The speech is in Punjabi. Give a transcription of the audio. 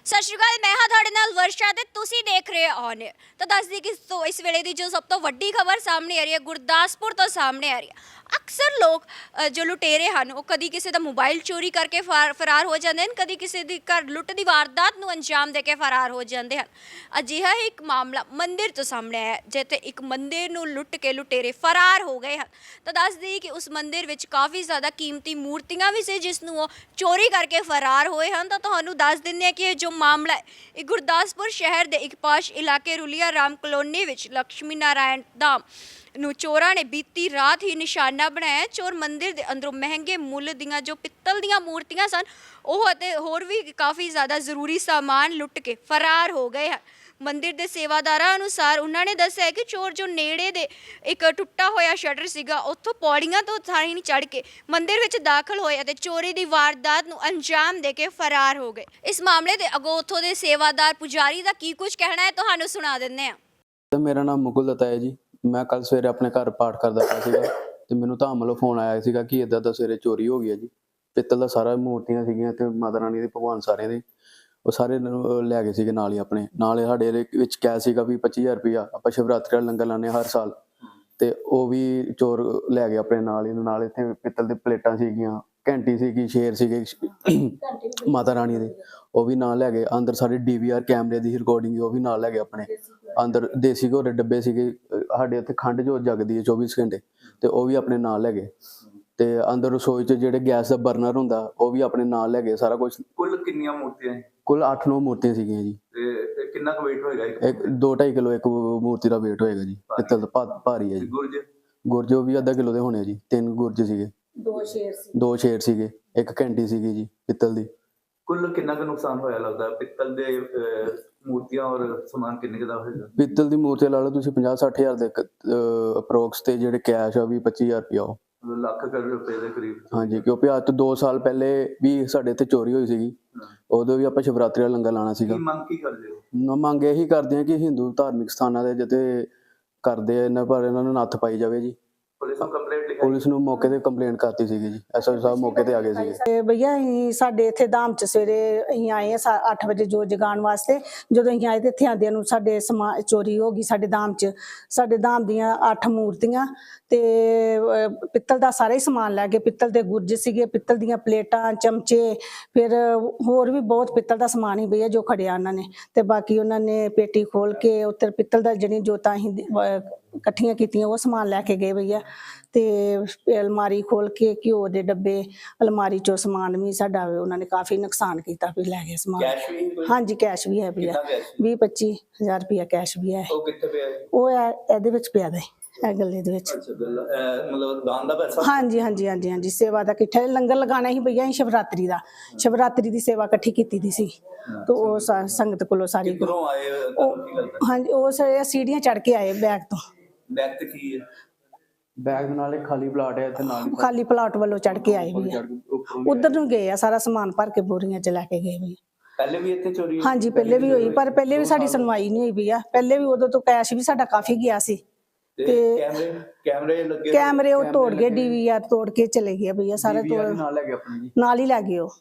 ਸਤਿ ਸ਼੍ਰੀ ਅਕਾਲ, ਮੈਂ ਹਾਂ ਤੁਹਾਡੇ ਨਾਲ ਵਰਸ਼ਾ ਤੇ ਤੁਸੀਂ ਦੇਖ ਰਹੇ ਹੋ ਔਨ 에ਅਰ। ਤਾਂ ਦੱਸਦੀ ਕਿ ਇਸ ਵੇਲੇ ਦੀ ਜੋ ਸਭ ਤੋਂ ਵੱਡੀ ਖਬਰ ਸਾਹਮਣੇ ਆ ਰਹੀ ਹੈ ਗੁਰਦਾਸਪੁਰ ਤੋਂ ਸਾਹਮਣੇ ਆ ਰਹੀ ਹੈ। ਅਕਸਰ ਲੋਕ ਜੋ ਲੁਟੇਰੇ ਹਨ ਉਹ ਕਦੀ ਕਿਸੇ ਦਾ ਮੋਬਾਈਲ ਚੋਰੀ ਕਰਕੇ ਫਰਾਰ ਹੋ ਜਾਂਦੇ ਹਨ, ਕਦੀ ਕਿਸੇ ਦੀ ਘਰ ਲੁੱਟ ਦੀ ਵਾਰਦਾਤ ਨੂੰ ਅੰਜਾਮ ਦੇ ਕੇ ਫਰਾਰ ਹੋ ਜਾਂਦੇ ਹਨ। ਅਜਿਹਾ ਹੀ ਇੱਕ ਮਾਮਲਾ ਮੰਦਿਰ ਤੋਂ ਸਾਹਮਣੇ ਆਇਆ ਜਿੱਥੇ ਇੱਕ ਮੰਦਿਰ ਨੂੰ ਲੁੱਟ ਕੇ ਲੁਟੇਰੇ ਫਰਾਰ ਹੋ ਗਏ ਹਨ। ਤਾਂ ਦੱਸਦੀ ਕਿ ਉਸ ਮੰਦਿਰ ਵਿੱਚ ਕਾਫੀ ਜ਼ਿਆਦਾ ਕੀਮਤੀ ਮੂਰਤੀਆਂ ਵੀ ਸੀ ਜਿਸ ਨੂੰ ਉਹ ਚੋਰੀ ਕਰਕੇ ਫਰਾਰ ਹੋਏ ਹਨ। ਤਾਂ ਤੁਹਾਨੂੰ ਦੱਸ ਦਿੰਦੇ ਹਾਂ ਕਿ ਇਹ ਜੋ ਮਾਮਲਾ ਹੈ ਇਹ ਗੁਰਦਾਸਪੁਰ ਸ਼ਹਿਰ ਦੇ ਇੱਕ ਪਾਸ਼ ਇਲਾਕੇ ਰੁਲੀਆ ਰਾਮ ਕਲੋਨੀ ਵਿੱਚ ਲక్ష్ਮੀ ਨਾਰਾਇਣ ਧਾਮ ਨੂੰ ਚੋਰਾਂ ਨੇ ਬੀਤੀ ਰਾਤ ਹੀ ਨਿਸ਼ਾਨਾ ਬਣਾਇਆ। ਚੋਰ ਮੰਦਿਰ ਦੇ ਅੰਦਰੋਂ ਮਹਿੰਗੇ ਮੁੱਲ ਦੀਆਂ ਜੋ ਪਿੱਤਲ ਦੀਆਂ ਮੂਰਤੀਆਂ ਸਨ ਉਹ ਅਤੇ ਹੋਰ ਵੀ ਕਾਫੀ ਜ਼ਿਆਦਾ ਜ਼ਰੂਰੀ ਸਾਮਾਨ ਲੁੱਟ ਕੇ ਫਰਾਰ ਹੋ ਗਏ ਹਨ। ਮੰਦਿਰ ਦੇ ਸੇਵਾਦਾਰਾਂ ਅਨੁਸਾਰ ਉਹਨਾਂ ਨੇ ਦੱਸਿਆ ਕਿ ਚੋਰ ਜੋ ਨੇੜੇ ਦੇ ਇੱਕ ਟੁੱਟਾ ਹੋਇਆ ਸ਼ਟਰ ਸੀਗਾ ਉੱਥੋਂ ਪੌੜੀਆਂ ਤੋਂ ਥਾਣੀ ਚੜ੍ਹ ਕੇ ਮੰਦਿਰ ਵਿੱਚ ਦਾਖਲ ਹੋਏ ਅਤੇ ਚੋਰੀ ਦੀ ਵਾਰਦਾਤ ਨੂੰ ਅੰਜਾਮ ਦੇ ਕੇ ਫਰਾਰ ਹੋ ਗਏ। ਇਸ ਮਾਮਲੇ ਦੇ ਅੱਗੋਂ ਉੱਥੋਂ ਦੇ ਸੇਵਾਦਾਰ ਪੁਜਾਰੀ ਦਾ ਕੀ ਕੁਝ ਕਹਿਣਾ ਹੈ ਤੁਹਾਨੂੰ ਸੁਣਾ ਦਿੰਦੇ ਹਾਂ। ਮੇਰਾ ਨਾਮ ਮੁਕੁਲ ਦੱਤਾ ਹੈ ਜੀ। ਮੈਂ ਕੱਲ ਸਵੇਰੇ ਆਪਣੇ ਘਰ ਪਾਠ ਕਰਦਾ ਪਿਆ ਸੀਗਾ ਤੇ ਮੈਨੂੰ ਧਾਮ ਵੱਲੋਂ ਫੋਨ ਆਇਆ ਸੀਗਾ ਕਿ ਇੱਦਾਂ ਦਾ ਸਵੇਰੇ ਚੋਰੀ ਹੋ ਗਈ ਹੈ ਜੀ। ਪਿੱਤਲ ਦਾ ਸਾਰਾ ਮੂਰਤੀਆਂ ਸੀਗੀਆਂ ਤੇ ਮਾਤਾ ਰਾਣੀ ਦੇ ਭਗਵਾਨ ਸਾਰਿਆਂ ਦੇ ਉਹ ਸਾਰੇ ਲੈ ਗਏ ਸੀਗੇ ਨਾਲ ਹੀ ਆਪਣੇ ਨਾਲ। ਸਾਡੇ ਵਿੱਚ ਕੈਸ਼ ਸੀਗਾ ਵੀ 25,000 ਰੁਪਇਆ। ਆਪਾਂ ਸ਼ਿਵਰਾਤਰੀ ਦਾ ਲੰਗਰ ਲਾਉਂਦੇ ਹਰ ਸਾਲ ਤੇ ਉਹ ਵੀ ਚੋਰ ਲੈ ਗਏ ਆਪਣੇ ਨਾਲ ਹੀ। ਨਾਲ ਇੱਥੇ ਪਿੱਤਲ ਦੇ ਪਲੇਟਾਂ ਸੀਗੀਆਂ, ਘੰਟੀ ਸੀਗੀ, ਸ਼ੇਰ ਸੀਗੇ ਮਾਤਾ ਰਾਣੀ ਦੇ, ਉਹ ਵੀ ਨਾਲ ਲੈ ਗਏ। ਅੰਦਰ ਸਾਰੇ DVR ਕੈਮਰੇ ਦੀ ਰਿਕਾਰਡਿੰਗ ਉਹ ਵੀ ਨਾਲ ਲੈ ਗਏ ਆਪਣੇ। ਅੰਦਰ ਦੇਸੀ ਘੋੜੇ ਡੱਬੇ ਸੀਗੇ, ਸਾਡੇ ਇੱਥੇ ਖੰਡ ਜੋ ਜਗਦੀ ਹੈ 24 ਘੰਟੇ ਤੇ ਉਹ ਵੀ ਆਪਣੇ ਨਾਲ ਲੈ ਗਏ। ਤੇ ਅੰਦਰ ਰਸੋਈ 'ਚ ਜਿਹੜੇ ਗੈਸ ਦਾ ਬਰਨਰ ਹੁੰਦਾ ਉਹ ਵੀ ਆਪਣੇ ਨਾਲ ਲੈ ਗਏ ਸਾਰਾ ਕੁਝ। ਕੁੱਲ ਕਿੰਨੀਆਂ ਮੂਰਤੀਆਂ? ਕੁੱਲ 8-9 ਮੂਰਤੀਆਂ ਸੀਗੀਆਂ ਜੀ। ਤੇ ਕਿੰਨਾ ਕੁ weight ਹੋਏਗਾ? ਇੱਕ 2-2.5 ਕਿਲੋ ਇੱਕ ਮੂਰਤੀ ਦਾ weight ਹੋਏਗਾ ਜੀ। ਪਿੱਤਲ ਦਾ ਭਾਰੀ ਹੈ ਜੀ। ਗੁਰਜ ਵੀ ਅੱਧਾ ਕਿਲੋ ਦੇ ਹੋਣੇ ਜੀ। 3 ਗੁਰਜ ਸੀਗੇ, 2 ਸ਼ੇਰ ਸੀਗੇ, ਇੱਕ ਘੰਟੀ ਸੀਗੀ ਜੀ ਪਿੱਤਲ ਦੀ। ਕੁੱਲ ਕਿੰਨਾ ਕੁ ਨੁਕਸਾਨ ਹੋਇਆ ਲੱਗਦਾ ਪਿੱਤਲ ਦੇ ਮੂਰਤੀਆਂ ਔਰ ਸਮਾਨ ਕਿੰਨੇ ਕੁ ਦਾ ਹੋਏਗਾ? ਪਿੱਤਲ ਦੀ ਮੂਰਤੀ ਲਾ ਲਓ ਤੁਸੀਂ 50-60 ਹਜ਼ਾਰ ਦੇ ਅਪਰੋਕਸ ਤੇ ਜਿਹੜੇ ਕੈਸ਼ ਆ ਵੀ 25,000 ਰੁਪਇਆ ਉਹ ਲੱਖ ਕਰੋੜ ਰੁਪਏ ਦੇ ਕਰੀਬ। ਹਾਂਜੀ, ਕਿਉਂਕਿ ਅੱਜ ਤੋਂ 2 ਸਾਲ ਪਹਿਲੇ ਵੀ ਸਾਡੇ ਇੱਥੇ ਚੋਰੀ ਹੋਈ ਸੀਗੀ। ਉਦੋਂ ਵੀ ਆਪਾਂ ਸ਼ਿਵਰਾਤਰੀ ਦਾ ਲੰਗਰ ਲਾਉਣਾ ਸੀਗਾ। ਮੰਗ ਕੀ ਕਰਦੇ ਹੋ? ਮੰਗ ਇਹੀ ਕਰਦੇ ਆ ਕਿ ਹਿੰਦੂ ਧਾਰਮਿਕ ਸਥਾਨਾਂ ਦੇ ਜਿੱਥੇ ਕਰਦੇ ਆ ਇਹਨਾਂ ਪਰ ਇਹਨਾਂ ਨੂੰ ਨੱਥ ਪਾਈ ਜਾਵੇ ਜੀ। ਪੁਲਿਸ ਨੂੰ ਕੰਪਲੇਂਟ ਲਿਖਾਈ? ਪੁਲਿਸ ਨੂੰ ਮੌਕੇ ਤੇ ਕੰਪਲੇਂਟ ਕਰਤੀ ਸੀਗੀ ਜੀ। SHO ਸਾਹਿਬ ਮੌਕੇ ਤੇ ਆ ਗਏ ਸੀਗੇ। ਤੇ ਭਈਆ ਅਸੀਂ ਸਾਡੇ ਇੱਥੇ ਧਾਮ ਚ ਸਵੇਰੇ ਅਸੀਂ ਆਏ ਆ 8 ਵਜੇ ਜੋਤ ਜਗਾਉਣ ਵਾਸਤੇ। ਜਦੋਂ ਅਸੀਂ ਆਏ ਤੇ ਇੱਥੇ ਆਂਦਿਆਂ ਨੂੰ ਸਾਡੇ ਸਮਾਨ ਚੋਰੀ ਹੋ ਗਈ। ਸਾਡੇ ਧਾਮ ਚ ਸਾਡੇ ਧਾਮ ਦੀਆਂ 8 ਮੂਰਤੀਆਂ ਤੇ ਪਿੱਤਲ ਦਾ ਸਾਰਾ ਹੀ ਸਮਾਨ ਲੈ ਗਏ। ਪਿੱਤਲ ਦੇ ਗੁਰਜ ਸੀਗੇ, ਪਿੱਤਲ ਦੀਆਂ ਪਲੇਟਾਂ, ਚਮਚੇ, ਫਿਰ ਹੋਰ ਵੀ ਬਹੁਤ ਪਿੱਤਲ ਦਾ ਸਮਾਨ ਹੀ ਭਈਆ ਜੋ ਖੜਿਆ ਉਹਨਾਂ ਨੇ। ਤੇ ਬਾਕੀ ਉਹਨਾਂ ਨੇ ਪੇਟੀ ਖੋਲ ਕੇ ਉੱਤਰ ਪਿੱਤਲ ਦਾ ਜਿਹੜੀ ਜੋਤਾਂ ਅਸੀਂ ਇਕੱਠੀਆਂ ਕੀਤੀਆਂ ਉਹ ਸਮਾਨ ਲੈ ਕੇ ਗਏ ਭਈਆ। ਤੇ ਅਲਮਾਰੀ ਖੋਲ ਕੇ ਘਿਓ ਦੇ ਡੱਬੇ, ਅਲਮਾਰੀ ਚੋਂ ਸਮਾਨ ਵੀ ਸਾਡਾ ਉਹਨਾਂ ਨੇ ਕਾਫੀ ਨੁਕਸਾਨ ਕੀਤਾ ਵੀ ਲੈ ਗਏ ਸਮਾਨ। ਕੈਸ਼ ਵੀ? ਹਾਂਜੀ ਕੈਸ਼ ਵੀ ਹੈ ਭਈਆ। 20-25 ਹਜ਼ਾਰ ਰੁਪਇਆ ਕੈਸ਼ ਵੀ ਹੈ। ਉਹ ਕਿੱਥੇ ਪਿਆ? ਉਹ ਇਹਦੇ ਵਿੱਚ ਪਿਆ ਦੇ ਇਹ ਗੱਲੇ ਦੇ ਵਿੱਚ। ਅੱਛਾ, ਮਤਲਬ ਦਾਨ ਦਾ ਪੈਸਾ? ਹਾਂਜੀ ਹਾਂਜੀ ਹਾਂਜੀ ਹਾਂਜੀ, ਸੇਵਾ ਦਾ ਇਕੱਠਾ ਲੰਗਰ ਲਗਾਉਣਾ ਸੀ ਭਈਆ। ਅਸੀਂ ਸ਼ਿਵਰਾਤਰੀ ਦਾ ਸ਼ਿਵਰਾਤਰੀ ਦੀ ਸੇਵਾ ਇਕੱਠੀ ਕੀਤੀ ਦੀ ਸੀ ਤੇ ਉਹ ਸੰਗਤ ਕੋਲੋਂ ਸਾਰੀ। ਕਿੱਧਰੋਂ ਆਏ ਤੁਹਾਨੂੰ ਕੀ ਲੱਗਦਾ? ਹਾਂਜੀ, ਉਹ ਸੀੜੀਆਂ ਚੜ੍ਹ ਕੇ ਆਏ ਬੈਗ ਤੋਂ। ਬੈਗ ਤੇ ਕੀ ਹੈ? ਬੈਗ ਦੇ ਨਾਲ ਇੱਕ ਖਾਲੀ ਪਲਾਟ ਹੈ ਇੱਥੇ ਨਾਲ। ਖਾਲੀ ਪਲਾਟ ਵੱਲੋਂ ਚੜ੍ਹ ਕੇ ਆਏ ਵੀ ਆ। ਉਧਰ ਨੂੰ ਗਏ ਆ, ਸਾਰਾ ਸਮਾਨ ਭਰ ਕੇ ਬੋਰੀਆਂ ਚ ਲੈ ਕੇ ਗਏ ਵੀ। ਪਹਿਲੇ ਵੀ ਇੱਥੇ ਚੋਰੀ? ਹਾਂਜੀ ਪਹਿਲੇ ਵੀ ਹੋਈ, ਪਰ ਪਹਿਲੇ ਵੀ ਸਾਡੀ ਸੁਣਵਾਈ ਨਹੀਂ ਹੋਈ ਵੀ ਆ। ਪਹਿਲੇ ਵੀ ਉਦੋਂ ਤੋਂ ਕੈਸ਼ ਵੀ ਸਾਡਾ ਕਾਫੀ ਗਿਆ ਸੀ। ਤੇ ਕੈਮਰੇ ਲੱਗੇ? ਕੈਮਰੇ ਉਹ ਤੋੜ ਗਏ, DVR ਤੋੜ ਕੇ ਚਲੇ ਗਏ ਭਈਆ। ਸਾਰਾ ਤੋੜ ਨਾਲ ਲੈ ਗਏ ਆਪਣੇ ਜੀ। ਨਾਲ ਹੀ ਲੈ ਗਏ ਉਹ।